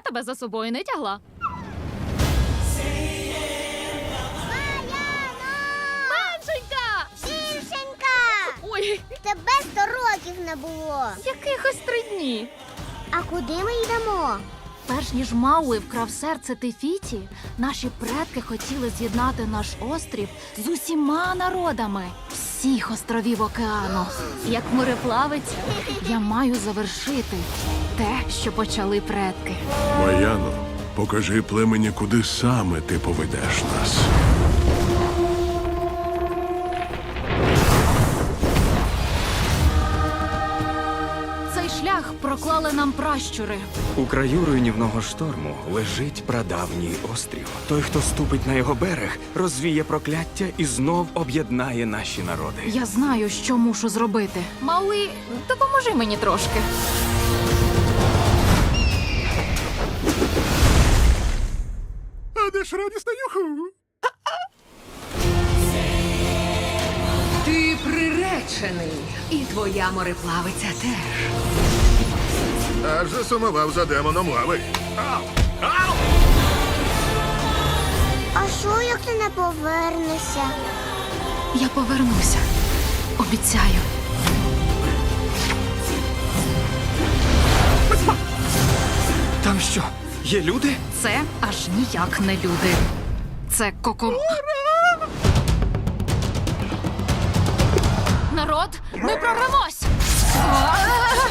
тебе за собою не тягла. Меншенька! Більшенька! Ой, Тебе 100 років не було. якихось 3 дні. А куди ми йдемо? Перш ніж Мауи вкрав серце Тефіті, наші предки хотіли з'єднати наш острів з усіма народами всіх островів океану. Як мореплавець, я маю завершити те, що почали предки. Маяно, покажи племені, куди саме ти поведеш нас. Цей шлях проклали нам пращури. У краю руйнівного шторму лежить прадавній острів. Той, хто ступить на його берег, розвіє прокляття і знов об'єднає наші народи. Я знаю, що мушу зробити. Мауи, допоможи мені трошки. А де ж радісна юху? Ти приречений, і твоя мореплавиця теж. Аж засумував за демоном лави. А що, як ти не повернешся? Я повернуся. Обіцяю. Там що, є люди? Це аж ніяк не люди. Це Народ, ми прорвемось!